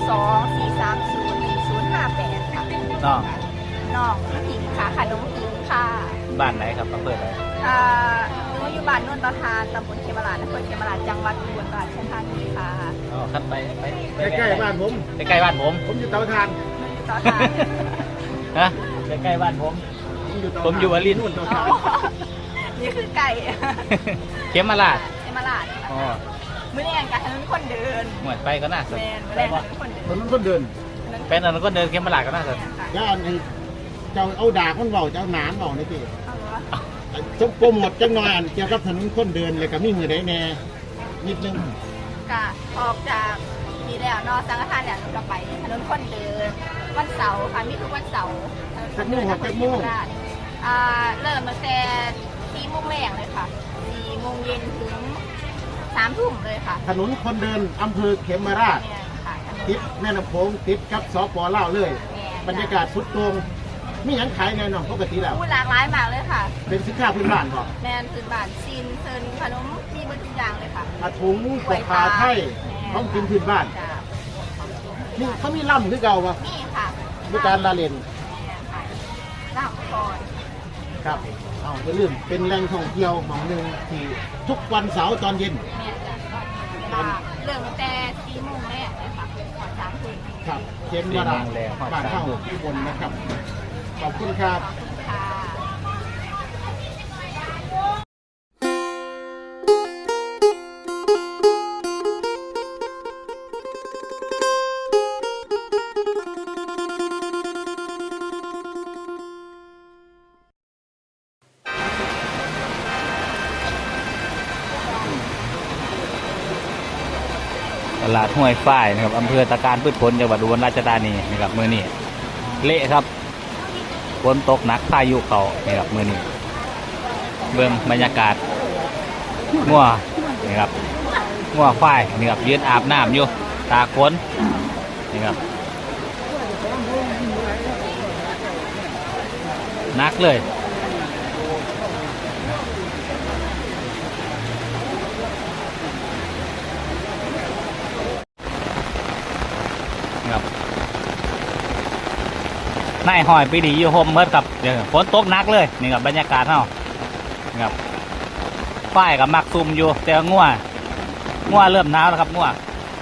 02-430-1058ค่ะน้องน้องผิงค่ะขนมผิงค่ะบ้านไหนครับอำเภอไหนหนูอยู่บ้านนนททานตำบลเขมราชอำเภอเขมราชจังหวัดอุบลราชธานีค่ะอ๋อครับไปใกล้บ้านผมใกล้บ้านผมอยู่เตาถ่านต่อทานฮะใกล้บ้านผมอยู่อลินนู่นเตาถ่านนี่คือไก่เข็มมาลาดเขมราชอ๋อมื้อนี้กันถนนคนเดินหมดไปก็น่าสนแมนมื้อแรกถนนคนเดินคนเดินเป็นอันนั้นก็เดินเข็มมาลาดก็น่าสนแล้วอันนี้เจ้าเอาดาคนเบาเจ้าหนามเบาในที่เอาเหรอจบโปรโมทจังหน่อยเกี่ยวกับถนนคนเดินเลยกับมีมือได้แน่นิดนึงกะออกจากมีแล้วนอกสังฆทานเนี่ยหนูก็ไปถนนคนเดินวันเสาร์ค่ะมีทุกวันเสาร์ถนนคนเดินทางเขมราชเริ่มตั้งแต่4 โมงแรกเลยค่ะ4 โมงเย็นถึง3 ทุ่มเลยค่ะถนนคนเดินอำเภอเขมราชติดแม่น้ำโขงติดกับสป.ลาวเลยบรรยากาศสุดโต่งมีหยังขายแน่นอนปกติแล้วหลากหลายมากเลยค่ะเป็นสินค้าพื้นบ้านบ่แมนพื้นบ้านซีนเซินขนมมีหมดทุกอย่างเลยค่ะอาถุงปกคาไทยต้องกินพื้นบ้านนี่เขามีล่ำคือเก่าป่ะมีค่ะมีการละเล่นล่ำก่อนครับเอาอย่าลืมเป็นแหล่งท่องเที่ยวหม่องหนึ่งที่ทุกวันเสาร์ตอนเย็นเริ่มตั้งแต่4 โมงแรกเลยค่ะก่อน3 ทุ่มครับเข็มมาดาบ้านเข้าที่บนนะครับขอบคุณครับตลาดห้วยฝ้ายนะครับอำเภอตะการพืชผลจังหวัดอุบลราชธานีนะครับมือนี้เละครับฝนตกหนักพายุเขานะครับมือนี้เบื้องบรรยากาศงัวนะครับงัวฝ้ายนะครับยืนอาบน้ำอยู่ตาฝนนะครับหนักเลยนายหอยปีดีอยู่โฮมเมิร์ดครับเดี๋ยวฝนตกหนักเลยนี่ครับบรรยากาศเท่านี่ครับฝ้ายกับมักซุ่มอยู่แต่งัวเริ่มหนาวแล้วครับงัว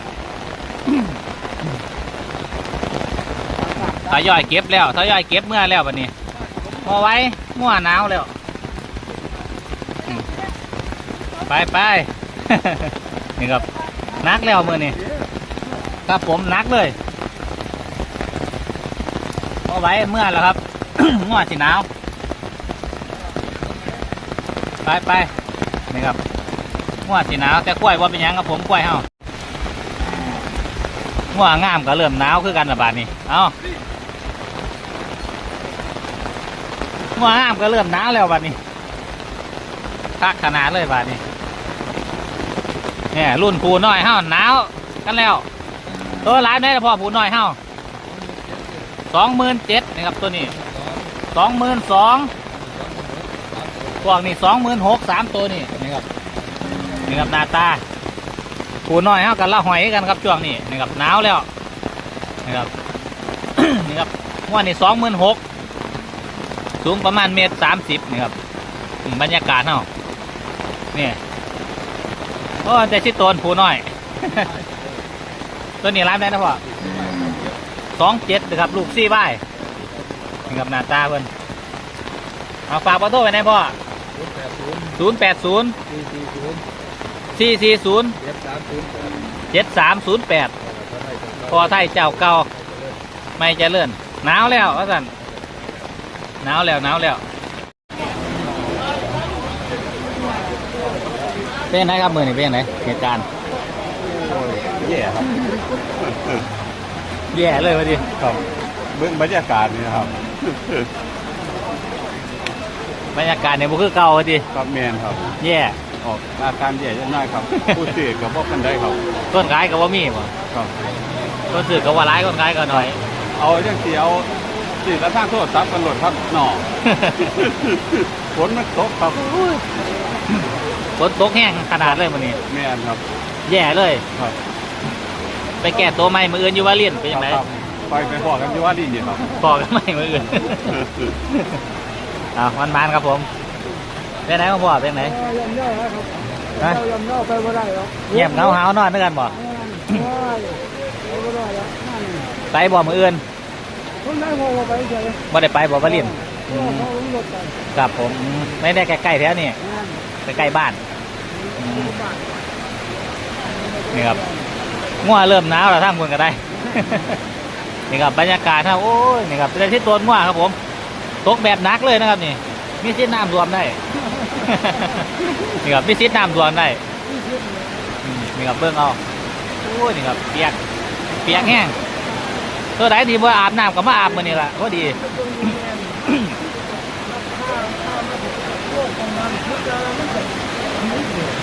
ทยอยเก็บแล้วทยอยเก็บเมื่อแล้ววันนี้พอไว้งัวหนาวแล้วไปนี่ครับนักแล้วมือนี่ครับผมนักเลยเอาไว้เมื่อแล้วครับ งัวสีหนาวไปนี่ครับงัวสีหนาวแต่กล้วยว่าเป็นยังครับผมกล้วยเฮางัวงามก็เริ่มหนาวคือกันระบาดนี่เอางัวงามก็เริ่มหนาวแล้วบาดนี้คักขนาดเลยบาดนี้เนี่ยรุ่นผูน้อยเฮาหนาวกันแล้วตัวร้ายได้แต่พอผูน้อยเฮา27,000นะครับตัวนี้22,000พวกนี้26,000 3ตัวนี้นะครับหน้าตาผูน้อยเฮากันละหอยกันครับช่วงนี้นะครับหนาวแล้วนะครับ นี่ครับว่านี่26,000สูงประมาณ1.30 นะครับบรรยากาศเฮานี่โอ้แต่ชิดโตนผูน้อย ตัวนี้ร้านได้นะพ่อ27นะครับลูกซี่ใบนี่ครับหน้าตาเพิ่นเอาฝากเบอร์โทรไว้ไหนพ่อ080 440 7308พอไทยเจ้าเก่าไม่เจริญหนาวแล้วว่าสั่นหนาวแล้วเป็นไงครับมือนี่เป็นไงเหตุการณ์แย่ครับแย่เลยวะดิครับเบื้องบรรยากาศนี่ครับบรรยากาศเนี่ยมันคือเก่าวะดิครับแมนครับแย่ออกอาการแย่ยังน้อยครับ ผู้ซื้อกับพวกกันได้ครับต้นขายกับว่ามีป่ะครับต้นซื้อกับว่าร้ายต้นขายกับหน่อยเอาเรื่องเสียวสื่อกระทั่งโทษซับกันหลดครับหน่อ ฝนมันตกครับฝนตกแห้งขนาดเลยวันนี้แมนครับแย่เลยครับไปแก้ตัวใหม่มืออื่นอยู่ว่าเลียนเป็นยังไงครับไปพอกันที่ว่าดีนี่ครับพอกันใหม่มืออื่น มันครับผมเป็นไหนของพ่อเป็นไหนยำเน่าครับฮะยำเน่าไปบ่ได้หรอกเงียบเหงาหาวนอนด้วยกันบ่ไปบ่ได้แล้วนั่นไปบ่มืออื่นคนได้พอไปเฉยบ่ได้ไปบ่ว่าเลียนเขาลดไปครับผมไม่ได้ใกล้ๆแถวนี่นั่นใกล้ๆบ้านนี่ครับงัวเริ่มหนาวแล้วท่านคุณก็ได้ นี่ครับบรรยากาศครับโอ้ยนี่ครับเป็นที่ตัวงัวครับผมตกแบบหนักเลยนะครับนี่มีซิดน้ำรวมได้ นี่ครับมีซิดน้ำรวมได้นี่ครับเบิ้งเอาโอ้ยนี่ครับเปียกแห้งตัวไหนดีบ่อาบน้ำก็มาอาบมื้อนี้ล่ะพอดีโลกของมันทุกอย่างมันจะ